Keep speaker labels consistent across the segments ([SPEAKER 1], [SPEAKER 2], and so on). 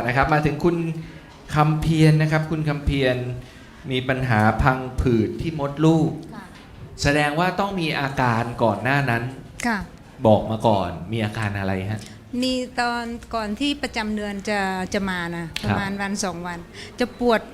[SPEAKER 1] นะครับมาถึงคุณคำเพียรนะครับคุณคำเพียรมีปัญหาพังผืดที่มดลูกแสดงว่าต้องมีอาการก่อนหน้านั้นบอกมาก่อนมีอาการอะไรฮะ
[SPEAKER 2] มีตอนก่อนที่ประจำเดือนจะมานะประมาณวัน2 วันจะปวด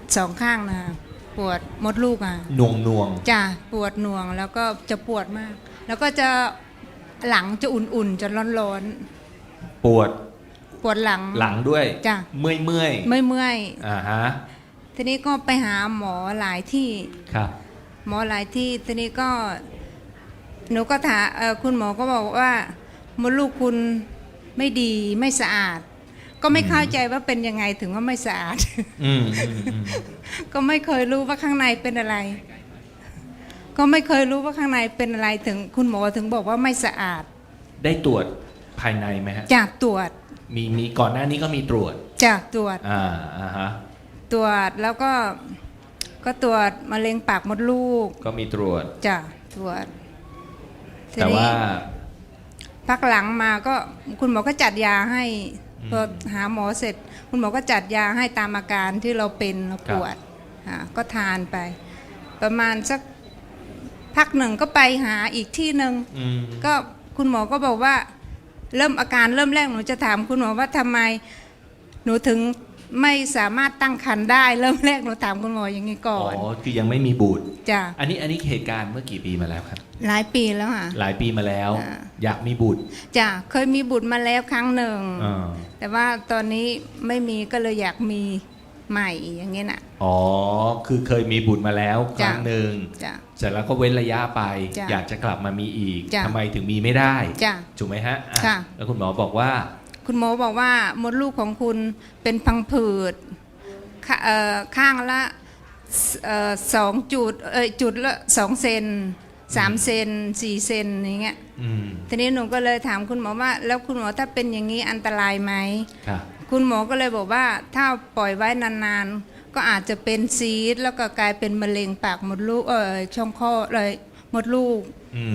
[SPEAKER 2] 2 ข้างนะปวดมดลูกอ่ะ
[SPEAKER 1] หน่วง
[SPEAKER 2] จ้ะปวดหน่วงแล้วก็จะปวดมากแล้วก็จะหลังจะอุ่นๆจะร้อน
[SPEAKER 1] ๆปวด
[SPEAKER 2] หลัง
[SPEAKER 1] ด้วย
[SPEAKER 2] จ้ะ
[SPEAKER 1] เมื่อย
[SPEAKER 2] ฮะทีนี้ก็ไปหาหมอหลายที่
[SPEAKER 1] ครับ
[SPEAKER 2] หมอหลายที่ทีนี้ก็หนูก็ถามคุณหมอก็บอกว่ามดลูกคุณไม่ดีไม่สะอาดก็ไม่เข้าใจว่าเป็นยังไงถึงว่าไม่สะอาดก็ไม่เคยรู้ว่าข้างในเป็นอะไรก็ไม่เคยรู้ว่าข้างในเป็นอะไรถึงคุณหมอถึงบอกว่าไม่สะอาด
[SPEAKER 1] ได้ตรวจภายในไหมฮะ
[SPEAKER 2] จากตรวจ
[SPEAKER 1] มีก่อนหน้านี้ก็มีตรวจ
[SPEAKER 2] จากตรวจ
[SPEAKER 1] ฮะ
[SPEAKER 2] ตรวจแล้วก็ตรวจมะเร็งปากมดลูก
[SPEAKER 1] ก็มีตรวจ
[SPEAKER 2] จ้ะตรวจ
[SPEAKER 1] แต่ว่า
[SPEAKER 2] พักหลังมาก็คุณหมอก็จัดยาให้พอหาหมอเสร็จคุณหมอก็จัดยาให้ตามอาการที่เราเป็นเราปวดก็ทานไปประมาณสักพักหนึ่งก็ไปหาอีกที่หนึ่งก็คุณหมอก็บอกว่าอาการเริ่มแรกหนูจะถามคุณหมอว่าทำไมหนูถึงไม่สามารถตั้งครรภ์ได้เริ่มแรกหนูถามคุณหมออย่างนี้ก่อน
[SPEAKER 1] คือยังไม่มีบุตร
[SPEAKER 2] จ้ะ
[SPEAKER 1] อันนี้เหตุการณ์เมื่อกี่ปีมาแล้วครับ
[SPEAKER 2] หลายปีแล้วค่ะ
[SPEAKER 1] หลายปีมาแล้วอยากมีบุตร
[SPEAKER 2] จ้ะเคยมีบุตรมาแล้วครั้งหนึ่งแต่ว่าตอนนี้ไม่มีก็เลยอยากมีใหม่อย่างเงี้ยน่ะ
[SPEAKER 1] คือเคยมีบุตรมาแล้วครั้งหนึ่งเสร็จแล้วก็เว้นระยะไปอยากจะกลับมามีอีกทำไมถึงมีไม่ได้ถูกไหมฮะแล้วคุณหมอบอกว่า
[SPEAKER 2] มดลูกของคุณเป็นพังผืดข้างละ2 จุดจุดละ2 เซน3 เซน4 เซนอย่างเงี้ยทีนี้หนูก็เลยถามคุณหมอว่าแล้วคุณหมอถ้าเป็นอย่างนี้อันตรายไหมคุณหมอก็เลยบอกว่าถ้าปล่อยไว้นานๆก็อาจจะเป็นซีสต์แล้วก็กลายเป็นมะเร็งปากมดลูกช่องคลอดเลยมดลูก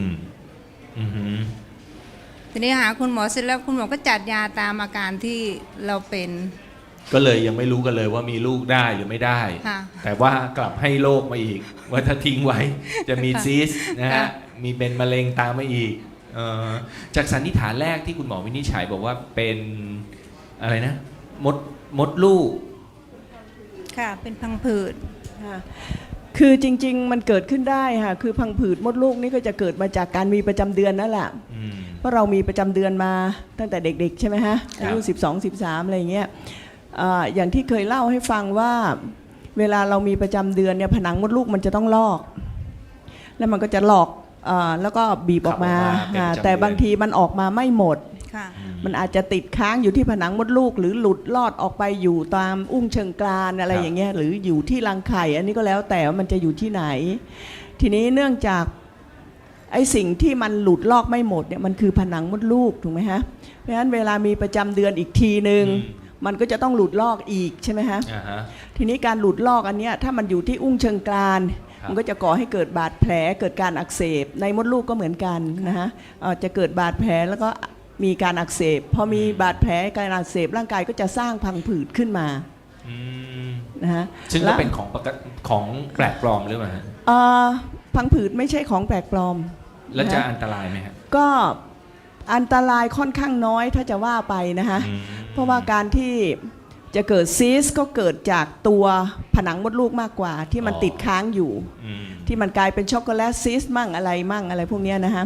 [SPEAKER 2] ทีนี้หาคุณหมอเสร็จแล้วคุณหมอก็จัดยาตามอาการที่เราเป็น
[SPEAKER 1] ก็เลยยังไม่รู้กันเลยว่ามีลูกได้หรือไม่ได้แต่ว่ากลับให้โรคมาอีกว่าถ้าทิ้งไว้จะมีซีสต์นะฮะมีเป็นมะเร็งตามมาอีกจากสันนิษฐานแรกที่คุณหมอวินิจฉัยบอกว่าเป็นอะไรนะมดลูก
[SPEAKER 2] ค่ะเป็นพังผืด
[SPEAKER 3] ค่ะคือจริงๆมันเกิดขึ้นได้ค่ะคือพังผืดมดลูกนี่ก็จะเกิดมาจากการมีประจำเดือนนั่นแหละเพราะเรามีประจำเดือนมาตั้งแต่เด็กๆใช่ไหมฮะอายุ12-13อะไรอย่างเงี้ยอย่างที่เคยเล่าให้ฟังว่าเวลาเรามีประจำเดือนเนี่ยผนังมดลูกมันจะต้องลอกแล้วมันก็จะหลอกแล้วก็บีบออกมาแต่บางทีมันออกมาไม่หมดมันอาจจะติดค้างอยู่ที่ผนังมดลูกหรือหลุดลอดออกไปอยู่ตามอุ้งเชิงกรานอะไรอย่างเงี้ยหรืออยู่ที่รังไข่อันนี้ก็แล้วแต่ว่ามันจะอยู่ที่ไหนทีนี้เนื่องจากไอ้สิ่งที่มันหลุดลอกไม่หมดเนี่ยมันคือผนังมดลูกถูกไหมฮะเพราะฉะนั้นเวลามีประจำเดือนอีกทีนึงมันก็จะต้องหลุดลอกอีกใช่ไหมฮะทีนี้การหลุดลอกอันเนี้ยถ้ามันอยู่ที่อุ้งเชิงกรานมันก็จะก่อให้เกิดบาดแผลเกิดการอักเสบในมดลูกก็เหมือนกันนะฮะจะเกิดบาดแผลแล้วก็มีการอักเสบพอมีบาดแผลการอักเสบร่างกายก็จะสร้างพังผืดขึ้นมานะฮะ
[SPEAKER 1] ซึ่งก็เป็นของแปลกปลอมหรือเปล่าฮะ
[SPEAKER 3] พังผืดไม่ใช่ของแปลกปลอม
[SPEAKER 1] แล้วจะอันตรายไหมฮะ
[SPEAKER 3] ก็อันตรายค่อนข้างน้อยถ้าจะว่าไปนะฮะเพราะว่าการที่จะเกิดซีสก็เกิดจากตัวผนังมดลูกมากกว่าที่มันติดค้างอยู่ที่มันกลายเป็นช็อกโกแลตซีสมั่งอะไรพวกนี้นะฮะ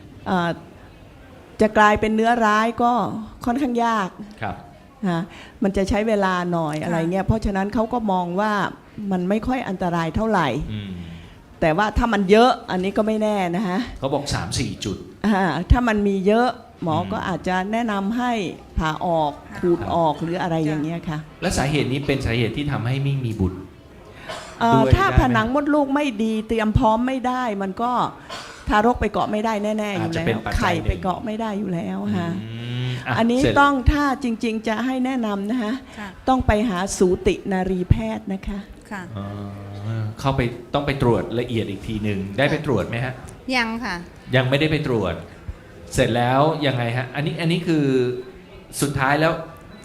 [SPEAKER 3] จะกลายเป็นเนื้อร้ายก็ค่อนข้างยากมันจะใช้เวลาหน่อยอะไรเงี้ยเพราะฉะนั้นเขาก็มองว่ามันไม่ค่อยอันตรายเท่าไหร่แต่ว่าถ้ามันเยอะอันนี้ก็ไม่แน่นะฮะ
[SPEAKER 1] เขาบอก 3-4 จุด
[SPEAKER 3] ถ้ามันมีเยอะหมอก็อาจจะแนะนำให้ผ่าออกขูดออกหรืออะไรอย่างเงี้ยค่ะ
[SPEAKER 1] และสาเหตุนี้เป็นสาเหตุที่ทำให้ไม่มีบุตร
[SPEAKER 3] ถ้าผนังมดลูกไม่ดีเตรียมพร้อมไม่ได้มันก็ทารกไปเกาะไม่ได้แน่ๆอยู่แล้วไข่ไปเกาะไม่ได้อยู่แล้วค่ะอันนี้ต้องถ้าจริงๆจะให้แนะนำนะคะต้องไปหาสูตินารีแพทย์นะคะ
[SPEAKER 1] เข้าไปต้องไปตรวจละเอียดอีกทีหนึ่งได้ไปตรวจไหมฮะ
[SPEAKER 2] ยังค่ะ
[SPEAKER 1] ยังไม่ได้ไปตรวจเสร็จแล้วยังไงฮะอันนี้คือสุดท้ายแล้ว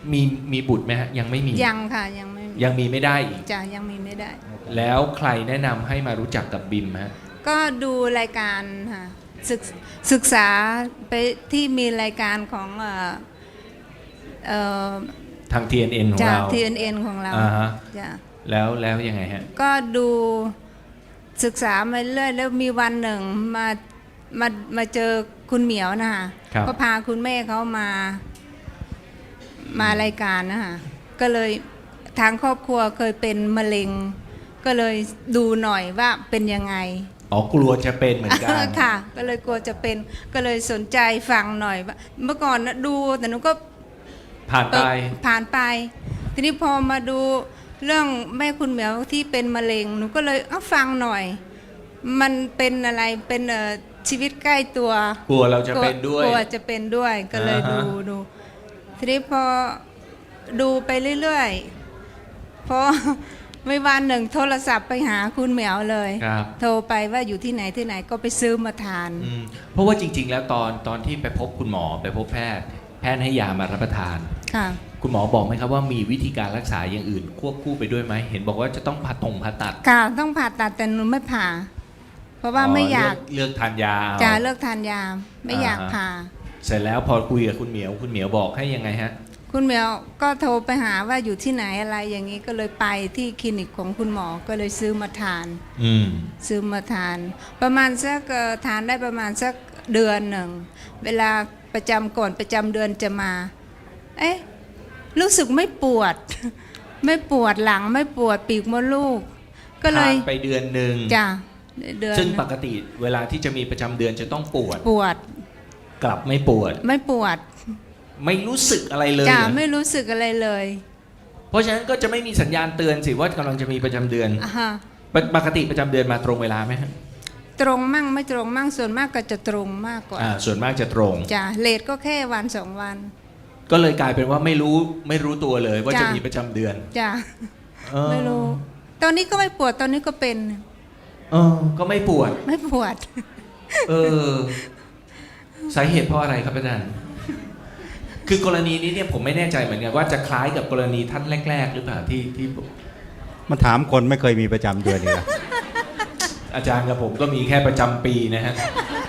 [SPEAKER 1] มีบุตรไหมฮะยังไม่มี
[SPEAKER 2] ยังค่ะยังไม่
[SPEAKER 1] ยังมีไม่ได้อีก
[SPEAKER 2] จะยังมีไม่ได้
[SPEAKER 1] แล้วใครแนะนำให้มารู้จักกับบิมฮะ
[SPEAKER 2] ก็ดูรายการค่ะศึกษาไปที่มีรายการของเอ่อ
[SPEAKER 1] ทาง TNN ของ
[SPEAKER 2] จาก
[SPEAKER 1] เรา
[SPEAKER 2] TNN ของเรา
[SPEAKER 1] อ่าฮะ
[SPEAKER 2] จ้ะ
[SPEAKER 1] แล้วยังไงฮะ
[SPEAKER 2] ก็ดูศึกษามาเรื่อยแล้วมีวันหนึ่งมาเจอคุณเหมียวนะคะ
[SPEAKER 1] ครับ
[SPEAKER 2] ก็พาคุณแม่เขามารายการนะคะก็เลยทางครอบครัวเคยเป็นมะเร็ง ก็เลยดูหน่อยว่าเป็นยังไง
[SPEAKER 1] อ๋อกลัวจะเป็นเหมือนกัน
[SPEAKER 2] ค่ะ ก็เลยกลัวจะเป็นก็เลยสนใจฟังหน่อยว่าเมื่อก่อนนะดูแต่หนูก็
[SPEAKER 1] ผ่านไป
[SPEAKER 2] ผ่านไป ทีนี้พอมาดูเรื่องแม่คุณเหมียวที่เป็นมะเร็งหนูก็เลยเอาฟังหน่อย มันเป็นอะไรเป็นชีวิตใกล้ตัว
[SPEAKER 1] กลัวเราจะเป็นด้วย
[SPEAKER 2] กลัวจะเป็นด้วยก็เลย
[SPEAKER 1] อ่าฮะ
[SPEAKER 2] ดูทีนี้พอดูไปเรื่อยๆพอ ไม่วันหนึ่งโทรศัพท์ไปหาคุณเหมียวเลย
[SPEAKER 1] ครับ
[SPEAKER 2] โทรไปว่าอยู่ที่ไหนก็ไปซื้อมาทาน
[SPEAKER 1] เพราะว่าจริง ๆ แล้วตอนที่ไปพบคุณหมอไปพบแพทย์ให้ยามารับประทาน
[SPEAKER 2] ค่ะ
[SPEAKER 1] คุณหมอบอกไหมครับว่ามีวิธีการรักษาอย่างอื่น ควบคู่ไปด้วยไหมเห็นบอกว่าจะต้องผ่าตัด
[SPEAKER 2] ค่ะต้องผ่าตัดแต่หนูไม่ผ่า เพราะว่าไม่อยาก
[SPEAKER 1] เลือกทานยาเอา
[SPEAKER 2] จะเลิกทานยาไม่อยาก
[SPEAKER 1] อ่าฮะ
[SPEAKER 2] ผ่า
[SPEAKER 1] เสร็จแล้วพอคุยกับคุณเหมียวบอกให้ยังไงฮะ
[SPEAKER 2] คุณเหมียวก็โทรไปหาว่าอยู่ที่ไหนอะไรอย่างนี้ก็เลยไปที่คลินิกของคุณหมอก็เลยซื้อมาทาน
[SPEAKER 1] อืม
[SPEAKER 2] ซื้อมาทาน ประมาณสักทานได้ประมาณสักเดือนหนึ่งเวลาประจำก่อนประจำเดือนจะมา เอ๊ะรู้สึกไม่ปวด ไม่ปวดหลังไม่ปวดปีกมดลูก ก็เลย
[SPEAKER 1] ทานไปเดือนหนึ่ง
[SPEAKER 2] จ้ะเดือน
[SPEAKER 1] ซึ่งปกติเวลาที่จะมีประจำเดือนจะต้องปวด
[SPEAKER 2] ปวด
[SPEAKER 1] กลับไม่ปวด
[SPEAKER 2] ไม่ปวด
[SPEAKER 1] ไม่รู้สึกอะไรเลย
[SPEAKER 2] จ้ะ
[SPEAKER 1] เหรอ
[SPEAKER 2] ไม่รู้สึกอะไรเลย
[SPEAKER 1] เพราะฉะนั้นก็จะไม่มีสัญญาณเตือนสิว่ากำลังจะมีประจำเดือน
[SPEAKER 2] อ่าฮะ
[SPEAKER 1] ปกติประจำเดือนมาตรงเวลาไหมฮะ
[SPEAKER 2] ตรงมั่งไม่ตรงมั่งส่วนมากก็จะตรงมากกว่า
[SPEAKER 1] ส่วนมากจะตรง
[SPEAKER 2] จ้ะเลทก็แค่วันสองวัน
[SPEAKER 1] ก็เลยกลายเป็นว่าไม่รู้ตัวเลยว่า
[SPEAKER 2] จ้ะ
[SPEAKER 1] จะมีประจำเดือน
[SPEAKER 2] จ้ะ
[SPEAKER 1] เออ
[SPEAKER 2] ไม่รู้ ตอนนี้ก็ไม่ปวดตอนนี้ก็เป็น
[SPEAKER 1] ก็ไม่ปวด
[SPEAKER 2] ไม่ปวด
[SPEAKER 1] เออสาเหตุเพราะอะไรครับอาจารย์ คือกรณีนี้เนี่ยผมไม่แน่ใจเหมือนกันว่าจะคล้ายกับกรณีท่านแรก ๆ หรือเปล่าที่
[SPEAKER 4] มาถามคนไม่เคยมีประจำเดือนเลยนะ
[SPEAKER 1] อาจารย์กับผมก็มีแค่ประจำปีนะฮะ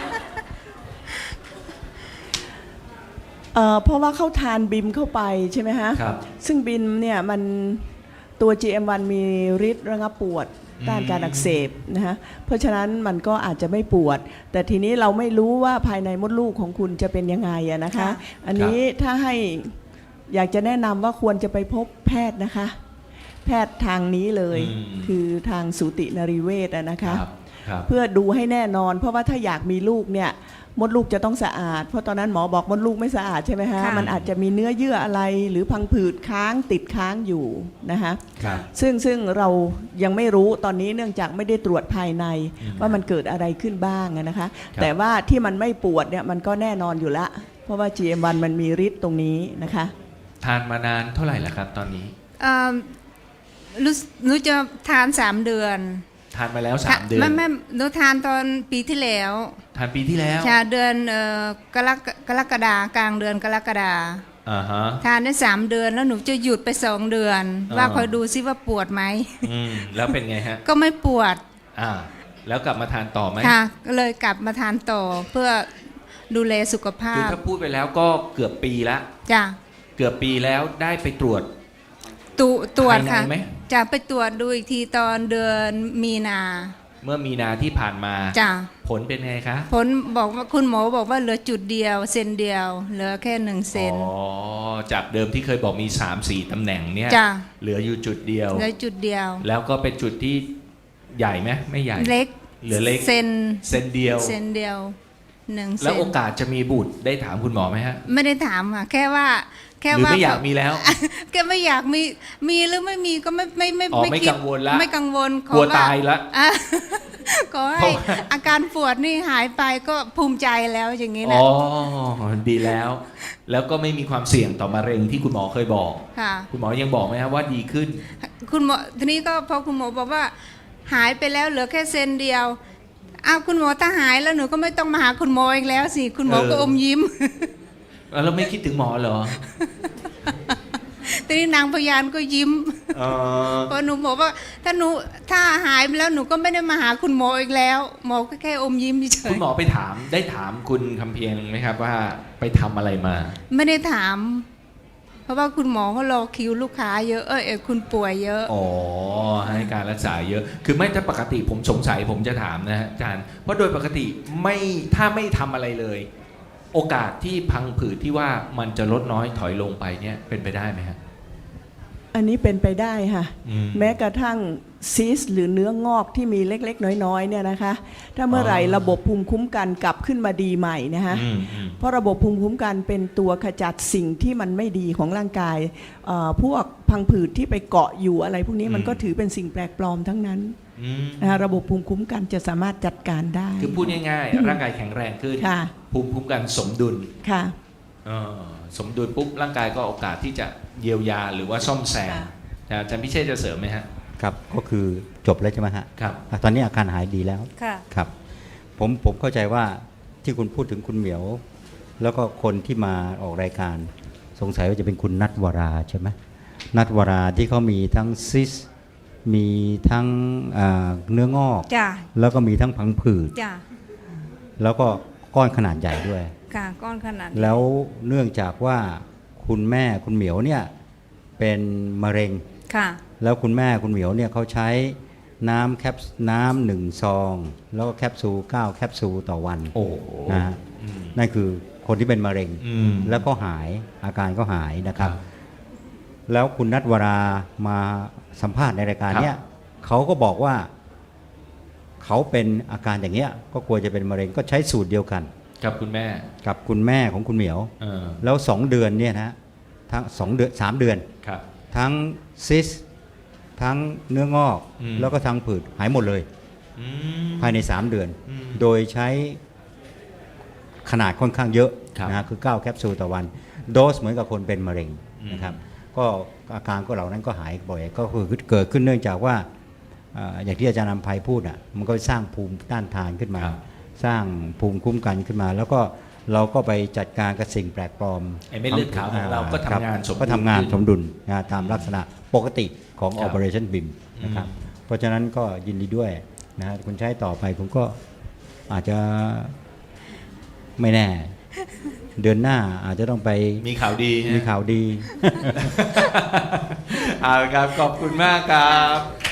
[SPEAKER 3] เพราะว่าเขาทานบิมเข้าไปใช่ไหมฮะ
[SPEAKER 1] ครับ
[SPEAKER 3] ซึ่งบิมเนี่ยมันตัว GM1 มีฤทธิ์ระงับปวดต้านการอักเสบนะฮะเพราะฉะนั้นมันก็อาจจะไม่ปวด แต่ทีนี้เราไม่รู้ว่าภายในมดลูกของคุณจะเป็นยังไงอะนะคะ
[SPEAKER 2] ค่ะ
[SPEAKER 3] อันนี้ถ้าให้อยากจะแนะนำว่าควรจะไปพบแพทย์นะคะ แพทย์ทางนี้เลย คือทางสูตินรีเวชอะนะคะ
[SPEAKER 1] ครับ
[SPEAKER 3] เพื่อดูให้แน่นอน เพราะว่าถ้าอยากมีลูกเนี่ยมดลูกจะต้องสะอาด เพราะตอนนั้นหมอบอกมดลูกไม่สะอาดใช่ไหมฮะ
[SPEAKER 2] ค่ะ
[SPEAKER 3] มันอาจจะมีเนื้อเยื่ออะไรหรือพังผืดค้างติดค้างอยู่นะคะ
[SPEAKER 1] ครับ
[SPEAKER 3] ซึ่งเรายังไม่รู้ตอนนี้เนื่องจากไม่ได้ตรวจภายในว่ามันเกิดอะไรขึ้นบ้างอะนะคะ แต่ว่าที่มันไม่ปวดเนี่ยมันก็แน่นอนอยู่ละเพราะว่า GM1 มันมีฤทธิ์ตรงนี้นะคะ
[SPEAKER 1] ทานมานานเท่าไหร่แล้วครับ ตอนนี้
[SPEAKER 2] หนูจะทาน3 เดือน
[SPEAKER 1] ทานมาแล้ว3 เดือน
[SPEAKER 2] ไม่หนูทานตอนปีที่แล้ว
[SPEAKER 1] ทานปีที่แล้ว
[SPEAKER 2] ชาเดือนกรกฎากลางเดือนกรกฎา
[SPEAKER 1] อ่าฮะ
[SPEAKER 2] ทานได้3 เดือนแล้วหนูจะหยุดไป2 เดือน ว่าคอยดูซิว่าปวดไหม
[SPEAKER 1] แล้วเป็นไงฮะ
[SPEAKER 2] ก็ไม่ปวด
[SPEAKER 1] แล้วกลับมาทานต่อไหม
[SPEAKER 2] ค่ะก็เลยกลับมาทานต่อเพื่อดูแลสุขภา
[SPEAKER 1] คือ
[SPEAKER 2] พ
[SPEAKER 1] ถ้าพูดไปแล้วก็เกือบปีละ
[SPEAKER 2] จ้ะ
[SPEAKER 1] เกือบปีแล้วได้ไปตรวจ
[SPEAKER 2] ตรวจ
[SPEAKER 1] ภายใน
[SPEAKER 2] ค่ะ
[SPEAKER 1] ไหม
[SPEAKER 2] จะไปตรวจดูอีกทีตอนเดือนมีนา
[SPEAKER 1] เมื่อมีนาที่ผ่านมา
[SPEAKER 2] จ้ะ
[SPEAKER 1] ผลเป็นไงคะ
[SPEAKER 2] ผลบอกว่าคุณหมอบอกว่าเหลือจุดเดียวเซนเดียว เหลือแค่1 เซน
[SPEAKER 1] จากเดิมที่เคยบอกมี 3-4 ตำแหน่งเนี่ย
[SPEAKER 2] จ้ะ
[SPEAKER 1] เหลืออยู่จุดเดียว
[SPEAKER 2] เหลือจุดเดียว
[SPEAKER 1] แล้วก็เป็นจุดที่ใหญ่ไหมไม่ใหญ่
[SPEAKER 2] เล็ก
[SPEAKER 1] เหลือเล็ก
[SPEAKER 2] เซน
[SPEAKER 1] เซนเดียว
[SPEAKER 2] เซนเดียว1 เซ
[SPEAKER 1] แล้ว
[SPEAKER 2] น
[SPEAKER 1] โอกาสจะมีบุตรได้ถามคุณหมอไหมฮะ
[SPEAKER 2] ไม่ได้ถามค่ะแค่ว่า
[SPEAKER 1] หรือไม่อยากมีแล้ว
[SPEAKER 2] แกไม่อยากมีหรือไม่มีก็ไม่
[SPEAKER 1] ไม่
[SPEAKER 2] คิด
[SPEAKER 1] กังวลละ
[SPEAKER 2] ไม่กังวล
[SPEAKER 1] กลัวตายละ
[SPEAKER 2] อ่ะ ขอ
[SPEAKER 1] เพ
[SPEAKER 2] ให้
[SPEAKER 1] ราะว่า
[SPEAKER 2] อาการปวดนี่หายไปก็ภูมิใจแล้วอย่างนี้
[SPEAKER 1] อ๋
[SPEAKER 2] นะ
[SPEAKER 1] อดีแล้ว แล้วก็ไม่มีความเสี่ยงต่อมะเร็งที่คุณหมอเคยบอก
[SPEAKER 2] ค่ะ
[SPEAKER 1] คุณหมอยังบอกไหมครับว่าดีขึ้น
[SPEAKER 2] คุณหมอทีนี้ก็พอคุณหมอบอกว่า หายไปแล้วเหลือแค่เซนเดียวอ้าวคุณหมอถ้าหายแล้วหนูก็ไม่ต้องมาหาคุณหมออีกแล้วสิคุณหมอก็อมยิ้ม
[SPEAKER 1] แล้วไม่คิดถึงหมอเหรอ
[SPEAKER 2] ทีนี้นางพยานก็ยิ้ม
[SPEAKER 1] เออ
[SPEAKER 2] พอหนูบอกว่าถ้าหายไปแล้วหนูก็ไม่ได้มาหาคุณหมออีกแล้ว หมอก็แค่อมยิ้มเฉ
[SPEAKER 1] คุ
[SPEAKER 2] ย
[SPEAKER 1] ณหมอไปถามได้ถามคุณคำเพียงไหมครับว่าไปทำอะไรมา
[SPEAKER 2] ไม่ได้ถาม เพราะว่าคุณหมอเขารอคิวลูกค้าเยอะคุณป่วยเยอะ
[SPEAKER 1] อ๋อให้การรักษาเยอะ คือไม่ถ้าปกติผมสงสัยผมจะถามนะฮะอาจารย์เพราะโดยปกติถ้าไม่ทำอะไรเลย โอกาสที่พังผืดที่ว่ามันจะลดน้อยถอยลงไปเนี่ยเป็นไปได้ไหมฮะ
[SPEAKER 3] อันนี้เป็นไปได้ค่ะ
[SPEAKER 1] อืม
[SPEAKER 3] แม้กระทั่งซีสหรือเนื้องอกที่มีเล็กๆ น้อยๆเนี่ยนะคะ ถ้าเมื่อไหร่
[SPEAKER 1] อ๋อ
[SPEAKER 3] ระบบภูมิคุ้มกันกลับขึ้นมาดีใหม่นะคะ
[SPEAKER 1] อืม
[SPEAKER 3] เพราะระบบภูมิคุ้มกันเป็นตัวขจัดสิ่งที่มันไม่ดีของร่างกายพวกพังผืดที่ไปเกาะอยู่อะไรพวกนี้มันก็ถือเป็นสิ่งแปลกปลอมทั้งนั้น
[SPEAKER 1] อืม
[SPEAKER 3] นะคะระบบภูมิคุ้มกันจะสามารถจัดการได้
[SPEAKER 1] คือพูดง่ายๆ ร่างกายแข็งแรงขึ้น
[SPEAKER 3] ค่ะ
[SPEAKER 1] ภูมิคุ้มกันสมดุล
[SPEAKER 3] ค่ะ
[SPEAKER 1] เออสมดุลปุ๊บร่างกายก็โอกาสที่จะเยียวยาหรือว่าซ่อมแซม
[SPEAKER 3] ค่ะ
[SPEAKER 1] อาจารย์พิเชษจะเสริมไหมฮะ
[SPEAKER 4] ครับก็คือจบแล้วใช่ไหมฮะ
[SPEAKER 1] ครับ
[SPEAKER 4] ตอนนี้อาการหายดีแล้ว
[SPEAKER 2] ค่ะ
[SPEAKER 4] ครับผมเข้าใจว่าที่คุณพูดถึงคุณเหมียว แล้วก็คนที่มาออกรายการสงสัยว่าจะเป็นคุณนัทวราใช่ไหมนัทวราที่เขามีทั้งซิสมีทั้งเนื้องอก
[SPEAKER 2] จ้ะ
[SPEAKER 4] แล้วก็มีทั้งพังผืด
[SPEAKER 2] จ้ะ
[SPEAKER 4] แล้วก็ก้อนขนาดใหญ่ด้วย
[SPEAKER 2] ค่ะก้อนขนาดนี้
[SPEAKER 4] แล้วเนื่องจากว่าคุณแม่คุณเหมียวเนี่ยเป็นมะเร็ง
[SPEAKER 2] ค่ะ
[SPEAKER 4] แล้วคุณแม่คุณเหมียวเนี่ยเขาใช้น้ำหนึ่งซอง แล้วก็แคปซูล9แคปซูลต่อวัน
[SPEAKER 1] โอ้
[SPEAKER 4] นะฮะนั่นคือคนที่เป็นมะเร็ง
[SPEAKER 1] อืม
[SPEAKER 4] แล้วก็หายอาการก็หายนะครับ
[SPEAKER 1] ครับ
[SPEAKER 4] แล้วคุณนัทวรามาสัมภาษณ์ในรายการเนี้ยเขาก็บอกว่าเขาเป็นอาการอย่างเงี้ยก็กลัวจะเป็นมะเร็งก็ใช้สูตรเดียวกัน
[SPEAKER 1] กับคุณแม่
[SPEAKER 4] กับคุณแม่ของคุณเหมียว
[SPEAKER 1] เออ
[SPEAKER 4] แล้ว2 เดือนเนี่ยนะทั้ง2 เดือน3 เดือน
[SPEAKER 1] ครับ
[SPEAKER 4] ทั้งซิสทั้งเนื้องอก
[SPEAKER 1] อืม
[SPEAKER 4] แล้วก็ทั้งผืดหายหมดเลย
[SPEAKER 1] อืม
[SPEAKER 4] ภายใน 3 เดือน
[SPEAKER 1] อืม
[SPEAKER 4] โดยใช้ขนาดค่อนข้างเยอะ
[SPEAKER 1] ครับ
[SPEAKER 4] นะฮะคือ9แคปซูลต่อวัน โดสเหมือนกับคนเป็นมะเร็งนะครับก็อาการก็เหล่านั้นก็หายบ่อยก็คือเกิดขึ้นเนื่องจากว่าอย่างที่อาจารย์นำภัยพูดอ่ะมันก็สร้างภูมิต้านทานขึ้นมา
[SPEAKER 1] ครับ
[SPEAKER 4] สร้างภูมิคุ้มกันขึ้นมา แล้วก็เราก็ไปจัดการกับสิ่งแปลกปลอม
[SPEAKER 1] ไอ้เม็ดเลือดขาวของเราก็ทำงานสมดุล
[SPEAKER 4] ก็ทำงานสมดุลนะตามลักษณะปกติของ
[SPEAKER 1] ครับ
[SPEAKER 4] Operation BIM นะครับ เพราะฉะนั้นก็ยินดีด้วยนะฮะคุณใช้ต่อไปผมก็อาจจะไม่แน่ เดือนหน้าอาจจะต้องไป
[SPEAKER 1] มีข่าวดีฮะ
[SPEAKER 4] มีข่าวดี
[SPEAKER 1] เอาละครับ ขอบคุณมากครับ